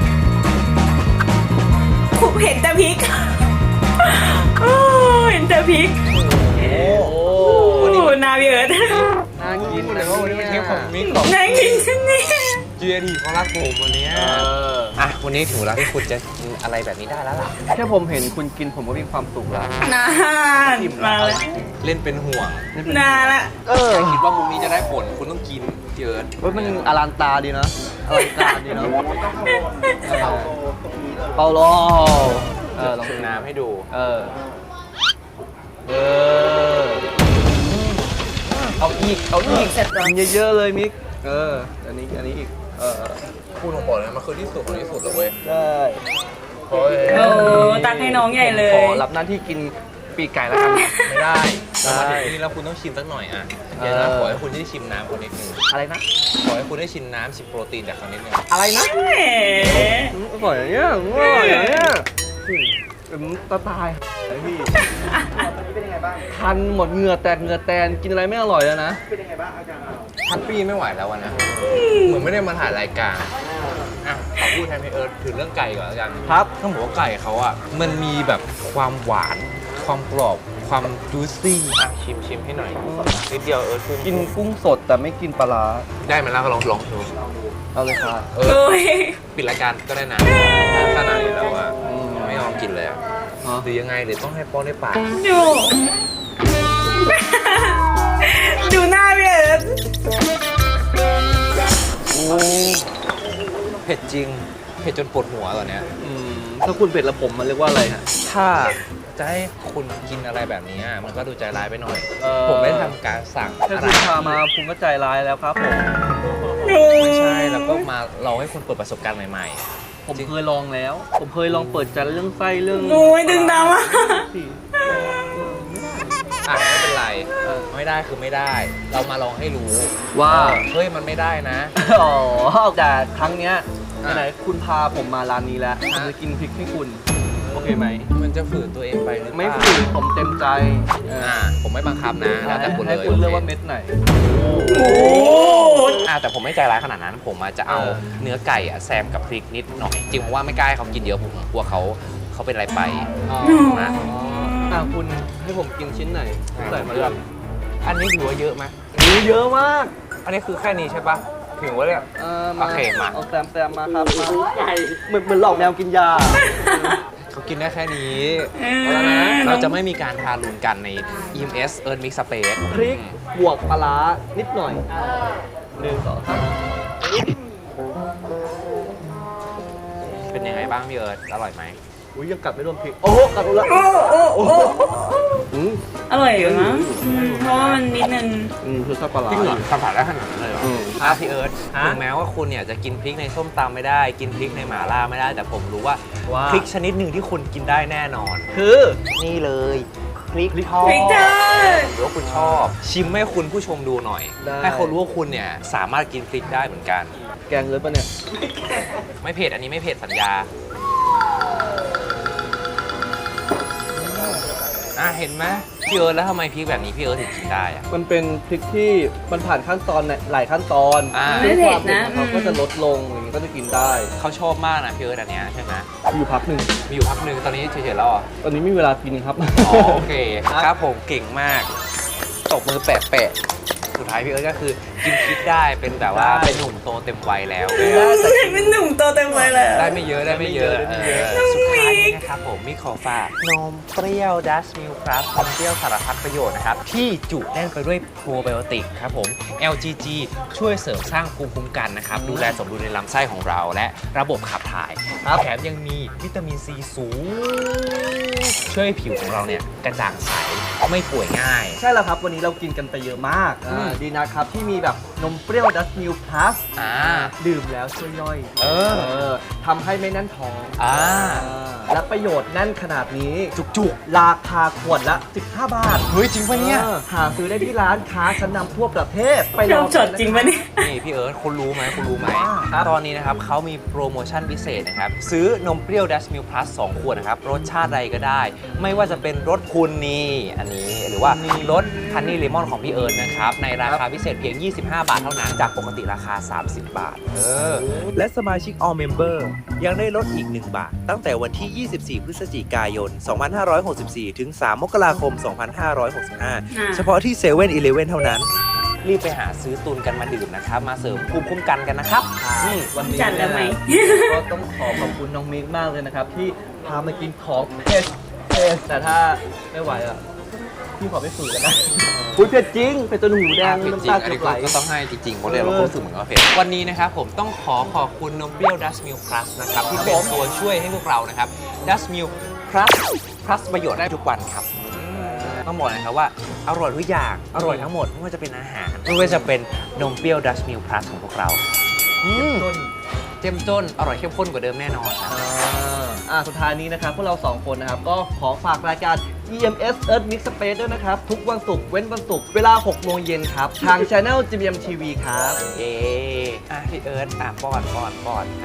Speaker 1: ผมเห็นแต่พริก โอ้เห็นแต่พริก
Speaker 3: โอ้
Speaker 1: โอ้นาเบิร์ด
Speaker 3: น่ากิน
Speaker 2: แต่
Speaker 3: นะ
Speaker 2: ว่าวันนี้เป็นเทปของมิกของ
Speaker 1: น่ากินจังเนี่ย
Speaker 2: จีเอทีเขารักผมวันเนี้ย
Speaker 3: เออ
Speaker 2: อ่ะ วันนี้ถึงเวลาที่คุณจะกินอะไรแบบนี้ได้แล้วล่ะ
Speaker 3: แค่ผมเห็นคุณกินผมก็มีความสุขแล้ว
Speaker 1: นานมาแล้ว
Speaker 2: เล่นเป็นห่วง
Speaker 1: นานละ
Speaker 3: เออ
Speaker 2: คิดว่ามุมนี้จะได้ผล คุณต้องกินเยอะ
Speaker 3: เว้ยมันอลังตาดีนะอลังการดีเนาะเออเปาโลเออลอง
Speaker 2: ชิมน้ำให้ดู
Speaker 3: เออ เออ
Speaker 2: เอาอีก เอาอีก
Speaker 1: เสร็จแล้ว
Speaker 3: กินเยอะๆเลยมิก เออ อันนี้ อันนี้อีก เออ
Speaker 2: คุณของบอกเลยมันคือที่สุดของที่สุดเลยเว้ย
Speaker 3: ได้
Speaker 2: โอ้ย
Speaker 1: โอ้ตักให้น้องใหญ่เล
Speaker 3: ขอย รับหน้าที่กินปีกไก่แล้วกัน
Speaker 2: ไม่ได้
Speaker 3: ได้
Speaker 2: เรามาถึงที่นี่แล้วคุณต้องชิมสักหน่อยอ่ะเดี๋ยวนะ
Speaker 3: เออ
Speaker 2: ขอให้คุณได้ชิมน้ำคนนิดนึง
Speaker 3: อะไรนะ
Speaker 2: ขอให้คุณได้ชิมน้ำชิมโปรตีนจากเขานิดนึง
Speaker 3: อะไรนะ
Speaker 1: แหม
Speaker 3: อืมอร่อยอย่างเงี้ยอืมอร่อยอย่างเงี้ยอืมอืมตาตายไอ้พี่คันหมดเหงื่อแตกเหงื่อแตนกินอะไรไม่อร่อยแล้วนะ
Speaker 2: แฮปปี้ไม่ไหวแล้ววันนะเหมือนไม่ได้มาถ่ายรายการอ่ะขอพูดแทนพี่เอิร์ธถึงเรื่องไก่ก่อนแล้วกัน
Speaker 3: ครับ
Speaker 2: ต้องบอกว่าไก่เขาอ่ะมันมีแบบความหวาน ความกรอบ ความจูซี่อ่ะชิมชิมให้หน่อยนิดเดียวเอิร์ธ
Speaker 3: กินกุ้งสดแต่ไม่กินปลาร้า
Speaker 2: ได้ไหมล่ะก็ลองลองดู
Speaker 3: เอาเลยค่ะ
Speaker 2: เออ
Speaker 1: โอ้ย
Speaker 2: ปิดรายการก็ได้นะขนาดนี้แล้วอ่ะ
Speaker 3: อืม
Speaker 2: ไม่ยอมกินเลยอ่ะ
Speaker 3: ฮะ
Speaker 2: หรือยังไงหรือต้องให้ป้อนได้ปาก
Speaker 1: ดู ดูหน้าพี่เอิร์ธ
Speaker 3: โอ้
Speaker 2: เผ็ดจริง เผ็ดจนปวดหัวตอนเนี้ย
Speaker 3: อืมถ้าคุณเผ็ดแล้วผมมันเรียกว่าอะไรฮะ
Speaker 2: ถ้าจะให้คุณกินอะไรแบบนี้อะมันก็ดูใจร้ายไปหน่อย
Speaker 3: เอ่อ
Speaker 2: ผมได้ทำการสั่ง
Speaker 3: แค่
Speaker 2: อะไร
Speaker 3: คุณพามาคุณก็ใจร้ายแล้วครับผม
Speaker 2: ไม่ใช่แล้วก็มาเราให้คุณเปิดประสบการณ์ใหม่
Speaker 3: ผมเคยลองแล้ว ผมเคยลองเปิดใจเรื่องไส้เรื่อง
Speaker 1: โอ้ยดึงดาวอ่ะ
Speaker 3: สิ
Speaker 2: ๆอ่ะไม่เป็นไรเออไม่ได้คือไม่ได้ เรามาลองให้รู้
Speaker 3: ว่า
Speaker 2: เฮ้ยมันไม่ได้นะ
Speaker 3: อ๋อแต่ครั้งเนี้ย
Speaker 2: อ่ะ
Speaker 3: ไหนๆคุณพาผมมาร้านนี้แล้วผมจะกินพริกให้คุณ โอเคไหม
Speaker 2: มันจะฝืนตัวเองไปหรือเปล่า
Speaker 3: ไม่ฝืนผมเต็มใจเออ
Speaker 2: อ่าผมไม่บังคับนะแล้วแต่คุณเล
Speaker 3: ให้
Speaker 2: ย
Speaker 3: คุณเลือกว่าเม็ดไหน
Speaker 1: โอ้
Speaker 2: อ่าแต่ผมไม่ใจร้ายขนาดนั้น ผมอาจจะเอา
Speaker 3: เออ
Speaker 2: เนื้อไก่อะแซมกับพริกนิดหน่อย จริงผมว่าไม่กล้าให้เขากินเยอะผมกลัวเขาเขาเป็นอะไรไป
Speaker 3: อ๋อ
Speaker 2: นะ
Speaker 3: อ่ะคุณให้ผมกินชิ้นไหนใส่มา
Speaker 2: เลื
Speaker 3: เล
Speaker 2: อก
Speaker 3: ย
Speaker 2: อันนี้ถือว่าเยอะไหม
Speaker 3: มีเยอะมาก
Speaker 2: อันนี้คือแค่นี้ใช่ปะถึงว่าเนี่ย
Speaker 3: เออ
Speaker 2: โอเคมา
Speaker 3: เอาแซมแซมมาครับมาเหมือนเหมือนหลอกแมวกินยา
Speaker 2: เขากินได้แค่นี้
Speaker 1: เอ
Speaker 2: แล้วนะ
Speaker 1: อ
Speaker 2: เราจะไม่มีการทารุณกันใน อี เอ็ม เอส Earth Mix Space
Speaker 3: พริกบวกปลาร้านิดหน่อยหนึ่งสองสาม
Speaker 2: เป็นยังไงบ้างพี่เอิร์ธอร่อยไหม
Speaker 3: อุ้ยยังกัดไม่รวมพริก โอ้โหกัดรู้ละ
Speaker 1: โอ้โอ้โอ้
Speaker 3: อืม
Speaker 1: อร่อยอยู่นะอืมเพราะว่ามันนิดนึง
Speaker 3: อืมคือซอสปลาร้า
Speaker 2: จริงเหรอสัมผัสได้ขนาดนั้นเลยเหรอ
Speaker 3: อืม
Speaker 2: อ่ะพี่เอิร์ธ
Speaker 3: ฮะ
Speaker 2: ถึงแม้ว่าคุณเนี่ยจะกินพริกในส้มตำไม่ได้ กินพริกในหม่าล่าไม่ได้ แต่ผมรู้ว่า
Speaker 3: ว่า
Speaker 2: พริกชนิดหนึ่งที่คุณกินได้แน่นอน
Speaker 3: คือ
Speaker 2: นี่เลยพริกทอด
Speaker 1: พริกทอด
Speaker 2: หรือว่าคุณชอบ ชิมให้คุณผู้ชมดูหน่อย ให้เขารู้ว่าคุณเนี่ยสามารถกินพริกได้เหมือนกัน
Speaker 3: แกงเลยปะเนี่ย
Speaker 2: ไม่เผ็ดอันนี้ไม่เผ็ดสัญญาอ่ะเห็นไหมพี่เอิร์ธแล้วทำไมพริกแบบนี้พี่เอิร์ธถึงกินได้อะ
Speaker 3: มันเป็นพริกที่มันผ่านขั้นตอนหลายขั้นตอน
Speaker 2: อ่า
Speaker 1: ไม่เผ็ดนะ
Speaker 3: ซึ่งความเผ็ดของเขาก็จะลดลงอย่างนี้ก็จะกินได้
Speaker 2: เขาชอบมากนะพี่เอิร์ธอันเนี้ยใช่ไหม
Speaker 3: อยู่พักหนึ่ง
Speaker 2: มีอยู่พักหนึ่งตอนนี้เฉยๆแล้วเหรอ
Speaker 3: ตอนนี้ไม่มีเวลากินครับ
Speaker 2: อ๋อโอเคครับผมเก่งมากตบมือแปะแปะๆสุดท้ายพี่เอิร์ธก็คือกินพริกได้เป็นแบบว่า
Speaker 3: ได้
Speaker 2: เป็นหนุ่มโตเต็มวัยแล้ว
Speaker 1: เป็นหนุ่มโตเต็มวัยแล้ว
Speaker 2: ได้ไม่เยอะได้ไม่เยอะ
Speaker 3: ได้ไม่เยอะ
Speaker 2: เออสุดท้ายนี้นะครับผมมีขอฝากนมเปรี้ยวดัชมิลครับนมเปรี้ยวสารพัดประโยชน์นะครับ ที่จุแน่นไปด้วยโปรไบโอติกครับผม แอล จี จี ช่วยเสริมสร้างภูมิคุ้มกันนะครับ ดูแลสมดุลในลำไส้ของเราและระบบขับถ่าย
Speaker 3: ครับ
Speaker 2: แถมยังมีวิตามินซีสูง ช่วยให้ผิวของเราเนี่ยกระจ่างใสไม่ป่วยง่าย
Speaker 3: ใช่แล้วครับ วันนี้เรากินกันไปเยอะมาก
Speaker 2: อืม
Speaker 3: อ่าดีนะครับ ที่มีแบบนมเปรี้ยวดัชมิลพลัส
Speaker 2: อ่า
Speaker 3: ดื่มแล้วช่วยย่อย
Speaker 2: เออ
Speaker 3: เออทำให้ไม่แน่นท้อง
Speaker 2: อ่า
Speaker 3: อ่าและประโยชน์แน่นขนาดนี้
Speaker 2: จุก
Speaker 3: ราคาขวดละ สิบห้า บาท
Speaker 2: ๆเฮ้ยจริงปะเนี่ย
Speaker 3: ออหาซื้อได้ที่ร้านค้าชั้นนำทั่วประเทศ ไป
Speaker 1: ช
Speaker 3: ล
Speaker 1: อ
Speaker 3: อบ ง
Speaker 1: จดจริงปะเนี่ย
Speaker 2: นี่พี่เอิร์ธคุณรู้ไหมคุณรู้ไหม
Speaker 3: ครับ
Speaker 2: ตอนนี้นะครับเขามีโปรโมชั่นพิเศษนะครับ ซื้อนมเปรี้ยวดัชมิลพลัสสองขวดนะครับ รสชาติใดก็ได้ ไม่ว่าจะเป็นรสคุณนี่อันนี้ หรือว่ารสฮันนี่เลมอนของพี่เอิร์ธนะครับ ในราคาพิเศษเพียง ยี่สิบห้า บาทเท่านั้น จากปกติราคา สามสิบ บาท เออ
Speaker 4: และสมาชิก All Member ยังได้ลดอีก หนึ่ง บาท ตั้งแต่วันที่ ยี่สิบสี่ พฤศจิกายน สองพันห้าร้อยหกสิบสี่ ถึง สาม มกราคม สองพันห้าร้อยหกสิบห้า
Speaker 1: อ่า
Speaker 4: เฉพาะที่เซเว่นอีเลฟเว่นเท่านั้น
Speaker 2: รีบไปหาซื้อตุนกันมาดื่มนะครับ มาเสริมภูมิคุ้มกันกันนะครับ
Speaker 3: นี่วันนี้
Speaker 1: จัดแล้วไหม
Speaker 3: ก็ต้องขอขอบคุณน้องมิกมากเลยนะครับ ที่พามากินของเผ็ดเผ็ดแต่ถ้าไม่ไหวอ่ะพี่ขอไปฝืนกันนะอุ้ยเผ็ดจริงเผ็ดจนหูแดง
Speaker 2: จริง
Speaker 3: น้ำ
Speaker 2: จริ
Speaker 3: ตาง
Speaker 2: อัน
Speaker 3: เกือ
Speaker 2: นี้
Speaker 3: บไหล
Speaker 2: ก็ต้องให้จริงๆเพราะเดี๋ยวเราก็รู้สึกเหมือนว่าเผ็ดวันนี้นะครับผมต้องขอขอบคุณนมเปรี้ยวดัชมิลพลัสนะครับที่เป็นตัวช่วยให้พวกเรานะครับดัชมิลพลัสพลัสประโยชน์ได้ทุกวันครับต้องบอกนะครับว่าอร่อยทุกอย่างอร่อยทั้งหมดไม่ว่าจะเป็นอาหารไม่ว่าจะเป็นนมเปรี้ยวดัชมิลพลัสของพวกเราอืม
Speaker 3: ต้น
Speaker 2: เจ้มจนอร่อยเข้มข้นกว่าเดิมแน่นอนครับ
Speaker 3: อ่าอ่าสุดท้ายนี้นะครับพวกเราสองคนนะครับก็ขอฝากรายการ อี เอ็ม เอส Earth Mix Space ด้วยนะครับ ทุกวันศุกร์เว้นวันศุกร์เวลาหกโมงเย็นครับ ทาง Channel จี บี เอ็ม ที วี ครับ
Speaker 2: เอออ่ะพี่เอิร์ธอ่ะป้อนป้อนป้อนอ่ะ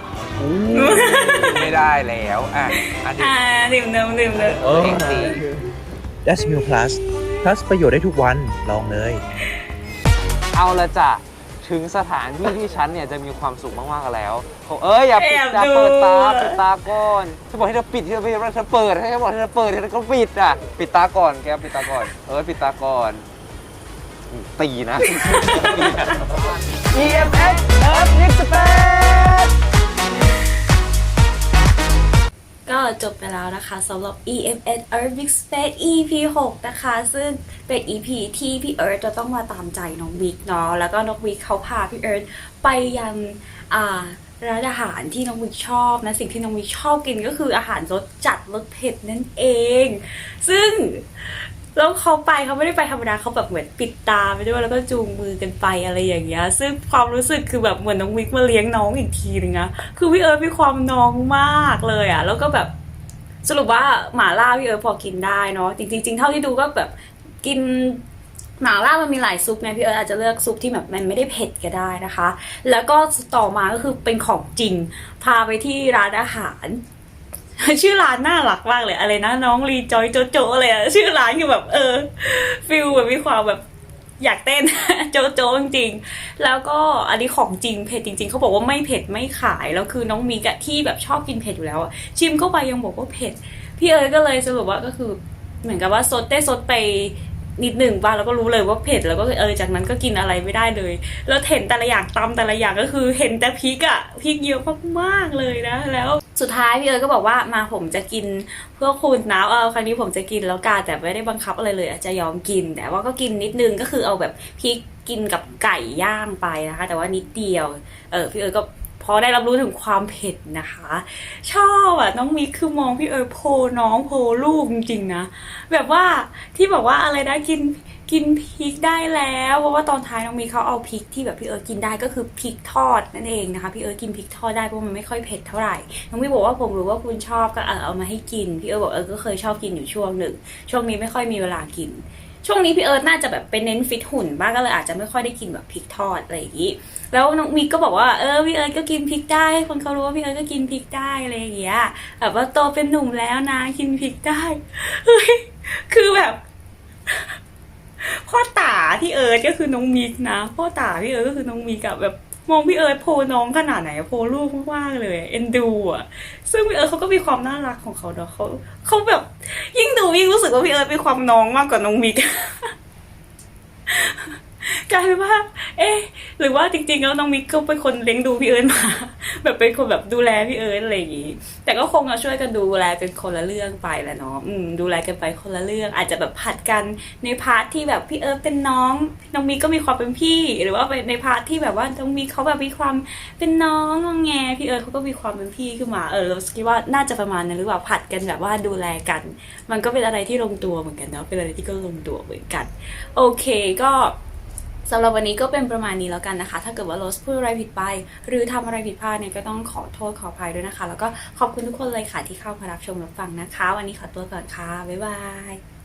Speaker 2: ไม่ได้แล้วอ่ะอ่ะดิ
Speaker 1: อ่าดื่มเดิมดื่มเดิม
Speaker 3: เออ
Speaker 2: เองสิ
Speaker 4: Dash Meal Plus Plus ประโยชน์ได้ทุกวัน ลองเลย
Speaker 2: เอาละจ้ะถึงสถานที่ที่ฉันเนี่ยจะมีความสุขมากๆแล้วเขาเอ้ยอย่าปิดอย่าเปิดตาปิดตาก่อนฉันบอกให้เธอปิดที่เธอไม่เธอเปิดให้ฉันบอกให้เธอเปิดเธอก็ปิดอ่ะปิดตาก่อนแกปิดตาก่อนเออปิดตาก่อนตีนะ
Speaker 3: อี เอ็ม เอส Earth Mix Space
Speaker 1: ก็จบไปแล้วนะคะสำหรับ อี เอ็ม เอส Earth Mix Space อี พี หก นะคะ ซึ่งเป็น อี พี ที่พี่เอิร์ธจะต้องมาตามใจน้องวิกเนาะแล้วก็น้องวิกเขาพาพี่เอิร์ธไปยังอ่าร้านอาหารที่น้องมิกชอบนะสิ่งที่น้องมิกชอบกินก็คืออาหารรสจัดรสเผ็ดนั่นเอง ซึ่งแล้วเขาไปเขาไม่ได้ไปธรรมดาเขาแบบเหมือนปิดตาไปด้วยแล้วก็จูงมือกันไปอะไรอย่างเงี้ยซึ่งความรู้สึกคือแบบเหมือนน้องมิกมาเลี้ยงน้องอีกทีนึงนะคือพี่เอิร์ธมีความน้องมากเลยอะแล้วก็แบบสรุปว่าหม่าล่าพี่เอิร์ธพอกินได้เนาะจริงๆจริงๆเท่าที่ดูก็แบบกินหม่าล่ามันมีหลายซุปไงพี่เอิร์ธอาจจะเลือกซุปที่แบบมันไม่ได้เผ็ดก็ได้นะคะ แล้วก็ต่อมาก็คือเป็นของจริงพาไปที่ร้านอาหาร ชื่อร้านน่ารักมากเลยอะไรนะน้องรีจอยโจโจอะไรอะชื่อร้านคือแบบเออฟิลแบบมีความแบบอยากเต้น โจโจจริงๆแล้วก็อันนี้ของจริงเผ็ดจริงๆเขาบอกว่าไม่เผ็ดไม่ขายแล้วคือน้องมีกะที่แบบชอบกินเผ็ดอยู่แล้วอะชิมเข้าไปยังบอกว่าเผ็ดพี่เอ๋ยก็เลยสรุปว่าก็คือเหมือนกับว่าซดได้ซดไปนิดหนึ่งบ้างแล้วก็รู้เลยว่าเผ็ดแล้วก็เออจากนั้นก็กินอะไรไม่ได้เลยแล้วเห็นแต่ละอย่างตำแต่ละอย่างก็คือเห็นแต่พริกอะพริกเยอะมากๆเลยนะแล้วสุดท้ายพี่เอ๋ยก็บอกว่ามาผมจะกินเพื่อคุณนะเออครั้งนี้ผมจะกินแล้วกันแต่ไม่ได้บังคับอะไรเลยจะยอมกินแต่ว่าก็กินนิดนึงก็คือเอาแบบพริกกินกับไก่ย่างไปนะคะแต่ว่านิดเดียวเออพี่เอ๋ยก็พอได้รับรู้ถึงความเผ็ดนะคะชอบอ่ะน้องมิกคือมองพี่เอ๋ยโพน้องโพลูกจริงๆนะแบบว่าที่บอกว่าอะไรนะกินกินพริกได้แล้วเพราะว่าตอนท้ายน้องมิกเขาเอาพริกที่แบบพี่เอ๋ยกินได้ก็คือพริกทอดนั่นเองนะคะพี่เอ๋ยกินพริกทอดได้เพราะมันไม่ค่อยเผ็ดเท่าไหร่น้องมิกบอกว่าผมรู้ว่าคุณชอบก็เออเอามาให้กินพี่เอ๋ยบอกเออก็เคยชอบกินอยู่ช่วงหนึ่งช่วงนี้ไม่ค่อยมีเวลากินช่วงนี้พี่เอิร์ธน่าจะแบบเป็นเน้นฟิตหุ่นบ้างก็เลยอาจจะไม่ค่อยได้กินแบบพริกทอดอะไรอย่างนี้แล้วน้องมิกก็บอกว่าเออพี่เอิร์ธก็กินพริกได้คนเขารู้ว่าพี่เอิร์ธก็กินพริกได้อะไรอย่างเงี้ยแบบว่าโตเป็นหนุ่มแล้วนะกินพริกได้เฮ้ยคือแบบพ่อตาพี่เอิร์ธก็คือน้องมิกนะพ่อตาพี่เอิร์ธก็คือน้องมิกอะแบบมองพี่เอิร์ธโพน้องขนาดไหนโพลูกมากๆเลยเอ็นดูอะซึ่งพี่เอิร์ธเขาก็มีความน่ารักของเขาเนาะเขาเขาแบบยิ่งดูยิ่งรู้สึกว่าพี่เอิร์ธมีความน้องมากกว่าน้องมิก กลายเป็นว่าเอ๊ะหรือว่าจริงๆแล้วน้องมิกก็เป็นคนเลี้ยงดูพี่เอิร์ธมา แบบเป็นคนแบบดูแลพี่เอิร์ธอะไรอย่างงี้แต่ก็คงจะช่วยกันดูแลกันคนละเรื่องไปแหละเนาะอืมดูแลกันไปคนละเรื่องอาจจะแบบผัดกันในพาร์ทที่แบบพี่เอิร์ธเป็นน้องน้องมิกก็มีความเป็นพี่หรือว่าไปในพาร์ทที่แบบว่าน้องมิกเขาแบบมีความเป็นน้องงอแงพี่เอิร์ธเขาก็มีความเป็นพี่ขึ้นมาเออเราคิดว่าน่าจะประมาณนั้นหรือเปล่าผัดกันแบบว่าดูแลกัน มันก็เป็นอะไรที่ลงตัวเหมือนกันเนาะเป็นอะไรที่ก็ลงตัวเหมือนกันโอเคก็สำหรับวันนี้ก็เป็นประมาณนี้แล้วกันนะคะถ้าเกิดว่าโรสพูดอะไรผิดไปหรือทำอะไรผิดพลาดเนี่ยก็ต้องขอโทษขออภัยด้วยนะคะแล้วก็ขอบคุณทุกคนเลยค่ะที่เข้ามารับชมรับฟังนะคะวันนี้ขอตัวก่อนค่ะบ๊ายบาย